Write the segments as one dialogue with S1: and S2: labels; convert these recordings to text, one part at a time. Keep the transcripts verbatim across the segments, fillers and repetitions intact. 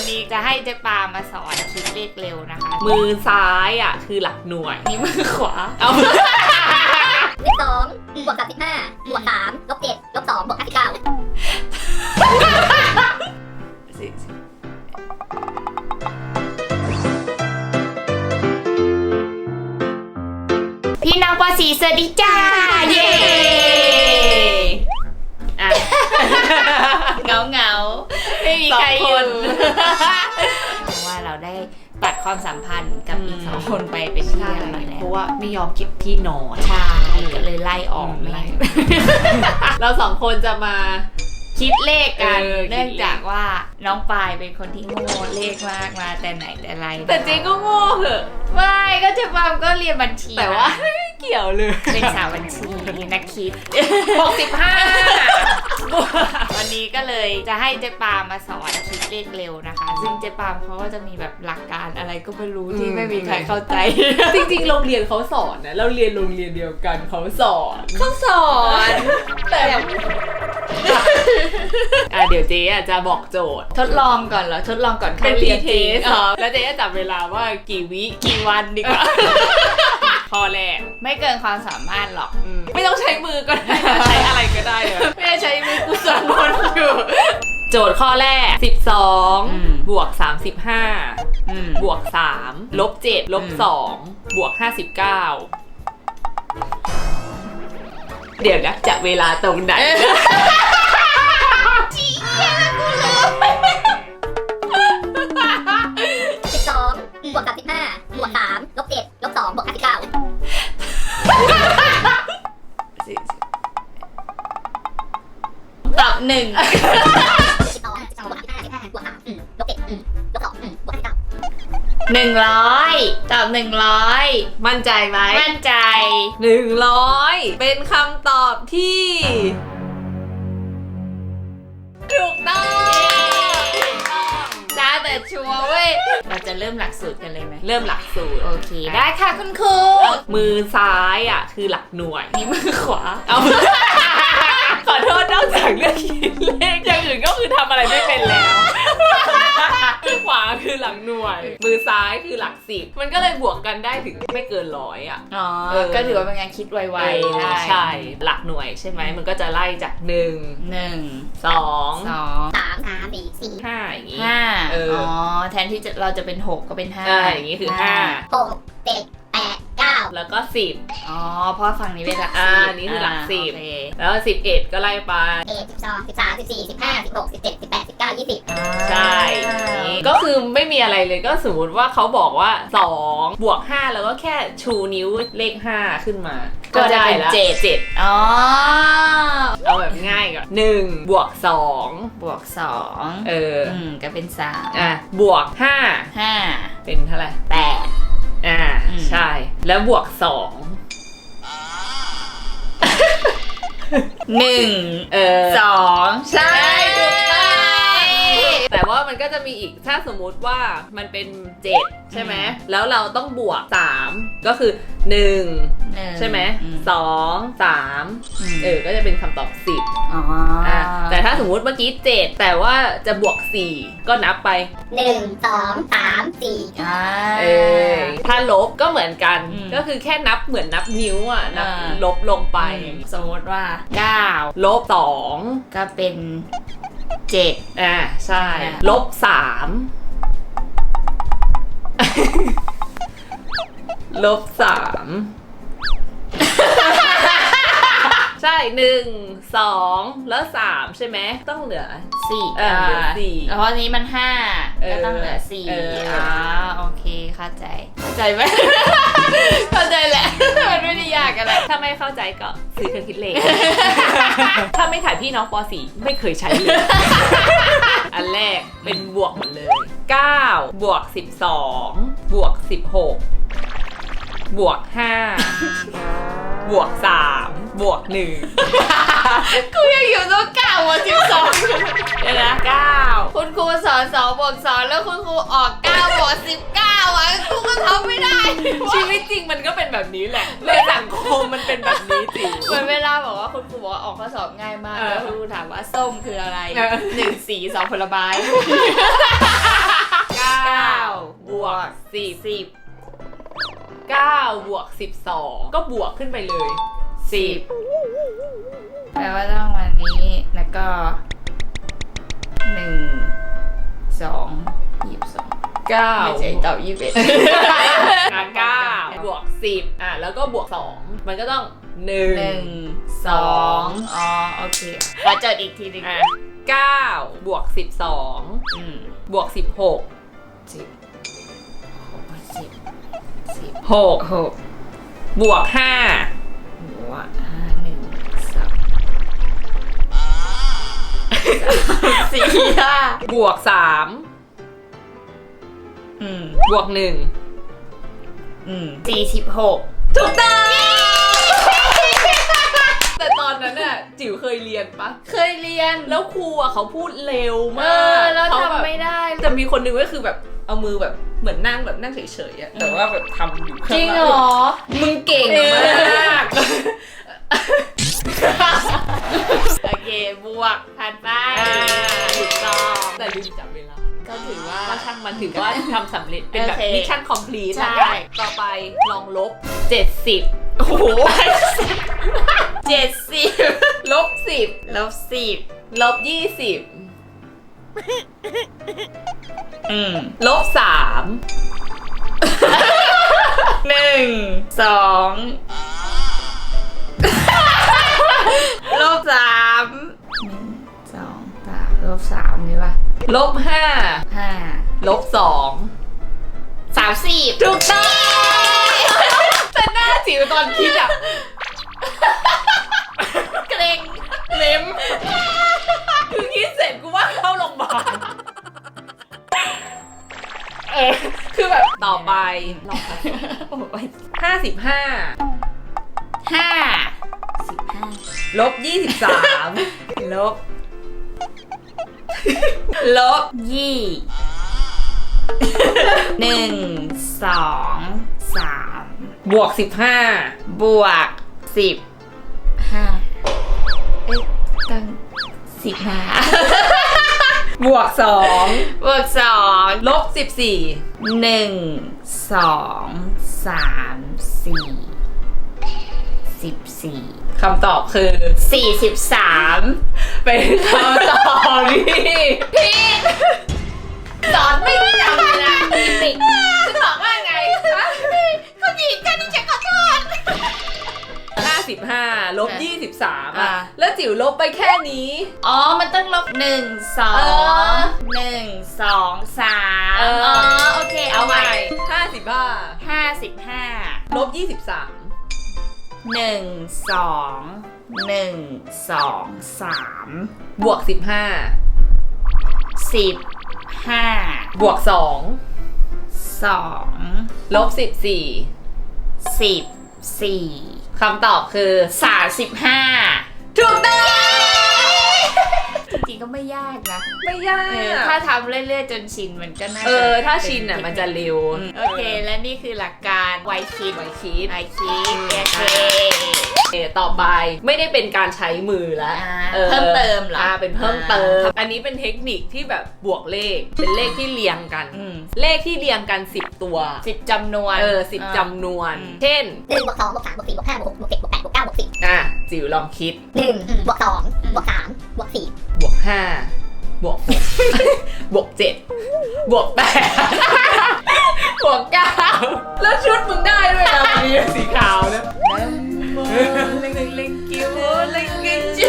S1: นี้จะให้เจ๊ปามาสอนคิดเลขเร็วนะคะ
S2: มือซ้ายอ่ะคือหลักหน่วย
S1: นี่มือขวา
S2: เอา
S3: เลขสองบวกสามสิบห้าบวกสามลบเจ็ดลบสองบวกห้าสิบเก้า
S1: พี่น้องปอสีสวัสดีจ้าเย้เงาเงาไม่มีใครอยู่เพราะว่าเราได้ตัดความสัมพันธ์กับอีกสองคนไปเป็นที่เรียบร้อยแล้ว
S2: เพราะว่าไม่ยอมเก็บที่นอน
S1: ใช่ก็เลยไล่ออกไม่
S2: เราสองคนจะมา
S1: คิดเลขกันเนื่องจากว่าน้องปายเป็นคนที่โง่เลขมากมาแต่ไหนแต่ไร
S2: แต่เจ๊ก็โง่เหอะ
S1: ไม่ก็เจ๊ปามก็เรียนบัญชี
S2: แต่ว่าไม่เกี่ยวเลย
S1: เป็นสาวบัญชีนักคิด
S2: หกสิบห้า
S1: วันนี้ก็เลยจะให้เจ๊ปามมาสอนคิดเลขเร็วนะคะซึ่งเจ๊ปามเขาก็จะมีแบบหลักการอะไรก็ไม่รู้ที่ไม่มีใครเข้าใจ
S2: จริงๆโรงเรียนเขาสอนนะเราเรียนโรงเรียนเดียวกันเขาสอน
S1: เขาสอน
S2: แต่อ่ะเดี๋ยวเจ๊จะบอกโจทย์
S1: ทดลองก่อนเหรอทดลองก่อน
S2: เป็น
S1: เรียนจริง
S2: แล้วเจ๊จะจับเวลาว่ากี่วิกี่วันดีกว่าข้อแรก
S1: ไม่เกินความสามารถหรอก
S2: ไม่ต้องใช้มือก็ได้ใช้อะไรก็ได้เลย
S1: ไม่ใช้มือกูสอนคนอยู่
S2: โจทย์ข้อแรกสิบสองบวกสามสิบห้าบวกสามลบเจ็ดลบสองบวกห้าสิบเก้าเดี๋ยวนะจะเวลาตรงไหน
S1: จี้เหี้ยกูลืม
S3: สิบสองบวกสามสิบห้าบวกสามลบเจ็ดลบสองบวกห้าสิบเก้า
S1: ตอบหนึ่ง
S3: สิบสองสิบสองบวกห้าสิบห้าบวกสามลบเจ็ดลบสองบวกห้าสิบเก้า
S1: หนึ่งร้อยตอบหนึ่งร้อย
S2: มั่นใจไหม
S1: มั่นใจ
S2: หนึ่งร้อยเป็นคำตอบที่ถูกต้อง
S1: จ้าแต่ชัวร์เว้ยเราจะเริ่มหลักสูตรกันเลยไหม
S2: เริ่มหลักสูตร
S1: โอเคได้ค่ะคุณครู
S2: มือซ้ายอ่ะคือหลักหน่วย
S1: นี่มือขวา
S2: เอาขอโทษนอกจากเรื่องคิดเลขอย่างอื่นก็คือทำอะไรไม่เป็นแล้วมือขวาคือหลักหน่วยมือซ้ายคือหลักสิบมันก็เลยบวกกันได้ถึงไม่เกินร้อยอ่ะ
S1: อ๋อก็ถือว่าเป็นงานคิดไวๆได้
S2: ใช่หลักหน่วยใช่ไหมมันก็จะไล่จากหนึ่ง
S1: หนึ่ง
S2: สอง
S1: สอง
S3: สามสามสี่สี่
S2: ห้าอย่างงี้
S1: ห้าอ๋อแทนที่เราจะเป็นหกก็เป็นห้า
S2: อย่างงี้คือห้า
S3: หกเจ็ดแปดเก้า
S2: แล้วก็สิบ
S1: อ๋อเพราะฝั่งนี้เป็นหลัก
S2: สิบอันนี้คือหลักสิบแล้วสิบเอ็ดก็ไล่ไป
S3: เอ็ดสิบสองสิบสามสิบสี่สิบห้าสิบหกสิบเจ็ดสิบแปดสิบเก้ายี่สิบ
S2: ใช่ก็คือไม่มีอะไรเลยก็สมมติว่าเขาบอกว่าสองบวกห้าแล้วก็แค่ชูนิ้วเลขห้าขึ้นมา
S1: ก็จะเป็นเจ็ด
S2: เจ็ดอ๋อเอาแบบง่ายก่อนหนึ่งบวกสอง
S1: บวกสอง
S2: เออ
S1: ก็เป็นสาม
S2: อ่ะบวกห้า
S1: ห้า
S2: เป็นเท่าไหร่
S1: แปด
S2: อ่าใช่แล้วบวกสอง
S1: หนึ่ง
S2: เออ
S1: สองใช่ถูกต้อง
S2: แต่ว่ามันก็จะมีอีกถ้าสมมุติว่ามันเป็นเจ็ดใช่ไหมแล้วเราต้องบวกสามก็คือหนึ่งใช่ไหมสองสามเออก็จะเป็นคำตอบสิบ
S1: อ๋อ
S2: แต่ถ้าสมมุติเมื่อกี้เจ็ดแต่ว่าจะบวกสี่ก็นับไป
S3: หนึ่งสองสามสี่
S2: เออถ้าลบก็เหมือนกันก็คือแค่นับเหมือนนับนิ้วอ่ะนับลบลงไป
S1: สมมติว่าเก้า
S2: ลบสอง
S1: ก็เป็นเจ็ด
S2: อ่าใช่ลบสามลบสามใช่หนึ่งสองแล้วสามใช่ไหมต้องเหลือ
S1: สี่
S2: เออเหลือสี่
S1: เพราะนี้มันห้าก็ต้องเหลือสี่อ๋อโอเคเข้าใจเข้าใจไหมเข้าใจแหละมันไม่ได้ยากอะไร
S2: ถ้าไม่เข้าใจก็ซื้อเครื่องคิดเลขถ้าไม่ถ่ายพี่น้องป .สี่ ไม่เคยใช้เลยอันแรกเป็นบวกหมดเลยเก้าบวกสิบสองบวกสิบหกบวกห้าบวกสามบวกหนึ่ง
S1: กูยังอยู่ตัวเก้าบวกสิบสองเดี๋ยวนะเก้าคุณครูสอนสองบวกสองแล้วคุณครูออกเก้าบวกสิบเก้าอ่ะกูก็ทำไม่ได้
S2: ชีวิตจริงมันก็เป็นแบบนี้แหละในสังคมมันเป็นแบบนี้จริง
S1: เหมือนเวลาบอกว่าคุณครูบอกว่าออกข้อสอบง่ายมากแล้วคุณครูถามว่าส้มคืออะไรหนึ่งสีสองผลไม้
S2: สิบ
S1: สิบ
S2: เก้าบวกสิบสองก็บวกขึ้นไปเลยสิบ
S1: แปลว่าต้องวันนี้แล้วก็หนึ่งสองยี่สิบสอง
S2: เก้า
S1: ไม่ใช่ตอบยี่สิบเอ็ด
S2: อ่ะเก้าบวกสิบอ่ะแล้วก็บวกสองมันก็ต้องหนึ่
S1: หนึ่
S2: ง
S1: งสองอ๋อโอเคขอจดอีกทีหนึง
S2: อ่ะเก้าบวกสิบสอง
S1: อืม
S2: บวกสิบหก
S1: สิบหกสิบสิบ
S2: หก
S1: หก
S2: บวกห้า
S1: บวกห้าหนึ่งสองสี่ห้า
S2: บวกสาม
S1: อืม
S2: บวกหนึ่ง
S1: อืมสี่สิบหก
S2: ถูกต้องแต่ตอนนั้นน่ะจิ๋วเคยเรียนปะ
S1: เคยเรียน
S2: แล้วครูอ่ะเขาพูดเร็ว
S1: เอ
S2: มาก
S1: อแล้ว
S2: เขาแบบ
S1: ทำไม่ได้
S2: จะมีคนหนึงก็คือแบบเอามือแบบเหมือนนั่งแบบนั่งเฉยๆอะแต่ว่าแบบทำอยู่
S1: จริงเหรอ
S2: มึงเก่งมาก
S1: โอเคบวกผ่านไป
S2: ถูกต้องแต่ลืมจับเวลา
S1: ก็ถือว่า
S2: ก็ช่างมันถือว่าทำสำเร็จเป็นแบบ
S1: โอเค
S2: มิชชั่นคอมพลีท
S1: ใช่
S2: ต่อไปลองลบเจ็ดสิบ
S1: โอ้โหเจ็ดสิบ
S2: ลบสิบ
S1: ลบสิบ
S2: ลบยี่สิบ
S1: อืม
S2: ลบสาม
S1: หนึ่งสองลบสามหนึ่งสองสามลบสามนี่ป่ะ
S2: ลบห้า
S1: ห้า
S2: ลบสอง
S1: สามสิบ
S2: ถูกต้องแต่หน้าจิ๋วตอนคิดอ่ะ
S1: เกรง
S2: เล็มคือคิดเสร็จกูว่าเข้าโรงพยาบาลเออคือแบบต่อไปลองค่ะห้าสิบห้า
S1: ห้าสิบห้า
S2: ลบยี่สิบสาม
S1: ลบลบยี่หนึ่งสองสาม
S2: บวกสิบห้า
S1: บวกสิบห้าเอ๊ะตั้งสิบห้า
S2: บวกสอง
S1: บวกสอง
S2: ลบสิบสี่
S1: หนึ่งสองสามสี่สิบสี่
S2: คำตอบคือ
S1: สี่สิบสาม
S2: เป็นคำตอบที่ผิด
S1: สอนไม่จำเลยนะมีปิก
S2: จะตอบว่าไงคะ
S1: เขาจีบกันจะขอโทษ
S2: ห้าสิบห้าลบยี่สิบสาม
S1: อ่ะ
S2: อ่ะแล้วจิ๋วลบไปแค่นี้
S1: อ๋อ มันต้องลบหนึ่งสอ
S2: เออ
S1: งหนึ่งสองสาม
S2: เออ
S1: อ๋อ โอเค เอาใหม่
S2: ห้าสิบห้า
S1: ห้าสิบห้า
S2: ลบยี่สิบสาม
S1: หนึ่งสองหนึ่งสองสาม
S2: บวกสิบห้า
S1: สิบห้า
S2: บวกสอง
S1: สอง
S2: ลบสิบสี่
S1: สิบสี่
S2: คำตอบคือ
S1: สามสิบห้า
S2: ถูกต้อง
S1: จริงๆก็ไม่ยากนะ
S2: ไม่ยา
S1: เออก ถ้าทำเรื่อยๆจนชินมันก็น่าจะ
S2: เออถ้าชินอ่ะมันจะเร็ว
S1: อืมโอเค และนี่คือหลักการไวคิด
S2: ไวคิด
S1: ไวคิดโอเค
S2: เออต่อไปไม่ได้เป็นการใช้มือแล้ว
S1: อ่าเพิ่มเติมเหรอ
S2: อ่าเป็นเพิ่มเติม
S1: อ่า
S2: อันนี้เป็นเทคนิคที่แบบบวกเลข เป็นเลขที่เรียงกัน
S1: อืม
S2: เลขที่เรียงกันสิบตัว
S1: สิบจำนวน
S2: เออสิบจำนวน
S1: อืม
S2: เช่น
S3: หนึ่งบวกสองบวกสามบวกสี่บวกห้าบวกหกบวกเจ็ดบวกแปดบวกเก้าบวกสิบ
S2: อ่ะจิ๋วลองคิด
S3: หนึ่งบวกสองบวกสามบวกสี่
S2: บวกห้าบวกหก บวกเจ็ดบวกแปด บวกเก้าแล้วชุดมึงได้ด้วยนะมีสีขาวนะเล็งเล็งเล็งกิ้วเล็งเล็งจื้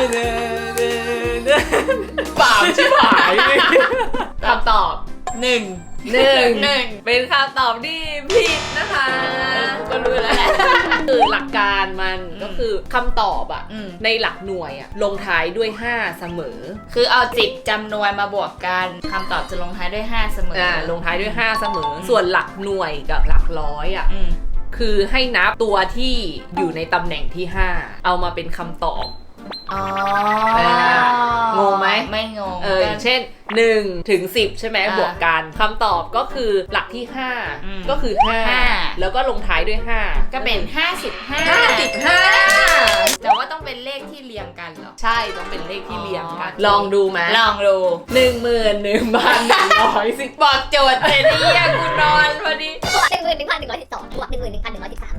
S2: อปามชิบหายคำตอบหนึ่งหนึ่ง
S1: หนึ่ง
S2: เป็นคำตอบที่ผิดนะคะ
S1: ก็รู้แล้วแหละ
S2: คือหลักการมันก็คือคำตอบอะ
S1: อืม
S2: ในหลักหน่วยอะลงท้ายด้วยห้าเสมอ
S1: คือเอาสิบจำนวนมาบวกกันคำตอบจะลงท้ายด้วยห้าเสมอ
S2: อ่า
S1: อ่า
S2: ลงท้ายด้วยห้าเสมอ ส่วนหลักหน่วยกับหลักร้อยอะ
S1: อืม
S2: คือให้นับตัวที่อยู่ในตำแหน่งที่ห้าเอามาเป็นคำตอบ
S1: อ๋อ
S2: อ่างงไหม
S1: ไม่งง
S2: เอออย่างเช่นหนึ่งถึงสิบใช่ไหม
S1: อ่า
S2: บวกกันคำตอบก็คือหลักที่ห้า
S1: อืม
S2: ก็คือห้า
S1: ห้า
S2: แล้วก็ลงท้ายด้วยห้า
S1: ก็เป็นห้าสิบห้า
S2: ห้าสิบห้า
S1: แต่ว่าต้องเป็นเลขที่เรียงกันเหรอ
S2: ใช่ต้องเป็นเลขที่เรียงกัน
S1: อ๋อ
S2: ลองดูไหม
S1: ลองดู
S2: หนึ่งหมื่นหนึ่งพันหนึ่งร้อยสิบ
S1: บอกโจทย์เลยเนี่ยกูนอนพอ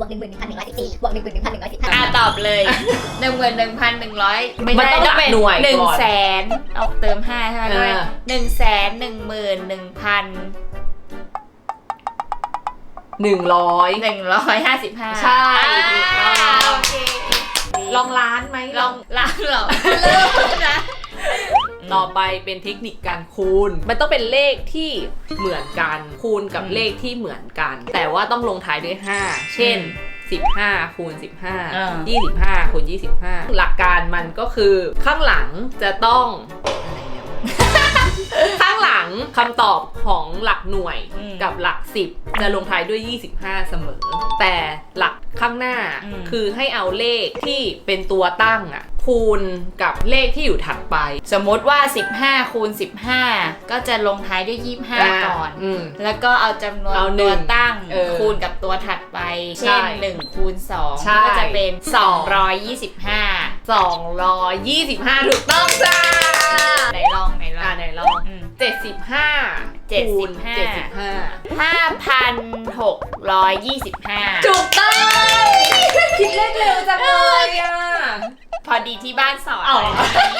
S3: หนึ่งหมื่นหนึ่งพันหนึ่งร้อยสิบสี่บวกหนึ่งหมื่นหนึ่งพันหนึ่งร้อยสิบห้า
S1: อ่ะตอบเลยหนึ่งหมื่นหนึ่งพันหนึ่งร้อยไม่
S2: มัน
S1: ได้
S2: ต้อง
S1: ต้องเป็น
S2: หน่วย
S1: หนึ่ง
S2: ก่อน
S1: แสนเอาเติมห้าใช่ไหม
S2: เออ
S1: ด้วยหนึ่งแสนหนึ่งหมื่นหนึ่งพัน
S2: หนึ่งร้อย
S1: หนึ่งร้อยห้าสิบห้า
S2: ใช่ถูกต้อง
S1: โอเค
S2: ลองล้านไหม
S1: ลองล้างเหรอเริ่มนะ
S2: ต่อไปเป็นเทคนิคการคูณ มันต้องเป็นเลขที่เหมือนกันคูณกับเลขที่เหมือนกัน แต่ว่าต้องลงท้ายด้วยห้าเช่นสิบห้าคูณสิบห้า
S1: อ่า
S2: ยี่สิบห้าคูณยี่สิบห้าหลักการมันก็คือข้างหลังจะต้องอะไรเนี่ย ข้างหลังคำตอบของหลักหน่วย
S1: อืม
S2: กับหลักสิบจะลงท้ายด้วยยี่สิบห้าเสมอ แต่หลักข้างหน้า
S1: อืม
S2: คือให้เอาเลขที่เป็นตัวตั้งอ่ะคูณกับเลขที่อยู่ถัดไป
S1: สมมติว่าสิบห้าคูณสิบห้าก็จะลงท้ายด้วยยี่สิบห้าก่อน
S2: อืม
S1: แล้วก็เอาจำนวน
S2: เอาหนึ่
S1: ตัว
S2: ง
S1: ตั้ง
S2: เออ
S1: คูณกับตัวถัดไป
S2: ใช่
S1: เช่นหนึ่งคูณสอง
S2: ใช่
S1: ก็จะเป็นสองร้อยยี่สิบห้า
S2: สองร้อยยี่สิบห้าถูกต้องจ้า
S1: ไหนลองไหนลอ
S2: อ่าง ไหนลอง
S1: อืม
S2: เจ็ดสิบห้า
S1: เจ็ดสิ
S2: คู
S1: บ
S2: ณ
S1: ห้า
S2: เจ็ดสิบห้า
S1: ห้าพันหกร้อยยี่สิบห้า
S2: ถูกต้องคิดเลขเร็วจังเลยอ่ะ
S1: พอดีที่บ้านสอน
S2: อ๋อ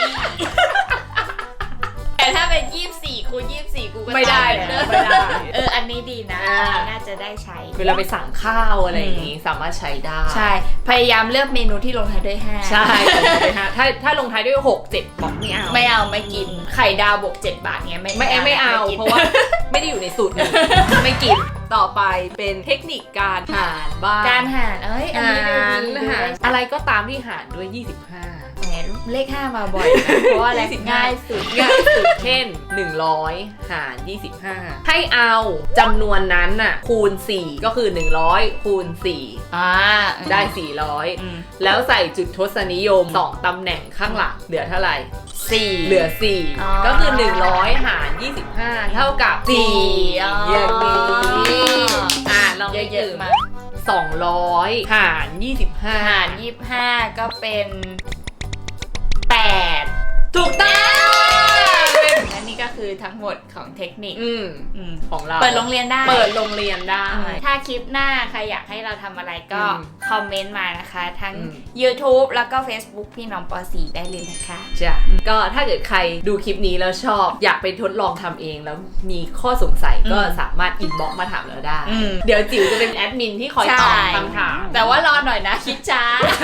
S1: แต่ถ้าเป็นยี่สิบสี่คูณยี่สิบสี่กูก็
S2: ไม่ได้
S1: ตอบเหมือนเดิม
S2: ไม่ได้
S1: เอออันนี้ดีนะ
S2: อ่า
S1: น่าจะได้ใช้
S2: เวลาไปสั่งข้าวอะไรอย่างงี้สามารถใช้ได้
S1: ใช่ พยายามเลือกเมนูที่ลงท้ายด้วยห้า
S2: ใช่ถ้าถ้าลงท้ายด้วยหกเจ็ดบอกไม่เอา
S1: ไม่เอาไม่กิน ไข่ดาวบวกเจ็ดบาทเงี้ยไม่
S2: ไม่ไม่เอา
S1: กิน
S2: เพราะว่าไม่ได้อยู่ในสูตรนี้ไม่กินต่อไปเป็นเทคนิคการหารบ้าง
S1: การหารเอ้ยอัน
S2: หา
S1: นี้ดู
S2: ร
S1: ดีดู
S2: หาร
S1: ได้
S2: อะไรก็ตามที่หารด้วยยี่สิบห้า
S1: แหมเลขห้ามาบ่อยนะเพราะว่าอะไร
S2: ยี่สิบห้า
S1: ง่ายสุด
S2: ง่ายสุดเช่นหนึ่งร้อยหารยี่สิบห้าให้เอาจำนวนนั้นน่ะคูณสี่ก็คือหนึ่งร้อยคูณสี่
S1: อ่า
S2: ได้สี่ร้อย
S1: อืม
S2: แล้วใส่จุดทศนิยมสองตำแหน่งข้างหลังเหลือเท่าไหร่
S1: สี่
S2: เหลือสี่
S1: อ๋อ
S2: ก็คือหนึ่งร้อยหารยี่สิบห้าเท่ากับสี่
S1: อ๋อ
S2: อย่างนี้อ่ะลอง
S1: เยอะๆมา
S2: สองร้อยหารยี่สิบห้า
S1: หารยี่สิบห้าก็เป็นแปด
S2: ถูกต้อง
S1: และนี่ก็คือทั้งหมดของเทคนิค
S2: อืม
S1: อืม
S2: ของเรา
S1: เปิดโรงเรียนได้
S2: เปิดโรงเรียนได้
S1: ถ้าคลิปหน้าใครอยากให้เราทำอะไรก็
S2: อืม
S1: คอมเมนต์มานะคะ ทั้ง
S2: อืม
S1: YouTube แล้วก็ Facebook พี่น้องปอสีได้เลยนะคะ
S2: จ้ะก็ถ้าเกิดใครดูคลิปนี้แล้วชอบ อยากไปทดลองทำเองแล้วมีข้อสงสัยก็
S1: อืม
S2: สามารถอินบ็อกซ์มาถามเราได้
S1: อืม
S2: เดี๋ยวจิ๋วจะเป็นแอดมินที่คอยตอบคำถาม
S1: แต่ว่ารอหน่อยนะคิดช้า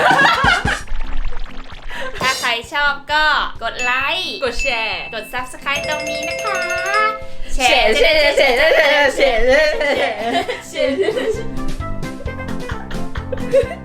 S1: ถ้าใครชอบก็กดไลค์
S2: กดแชร์
S1: กด Subscribe ตรงนี้นะคะ
S2: แชร์แชร์แชร์แชร์แชร์แชร์แชร์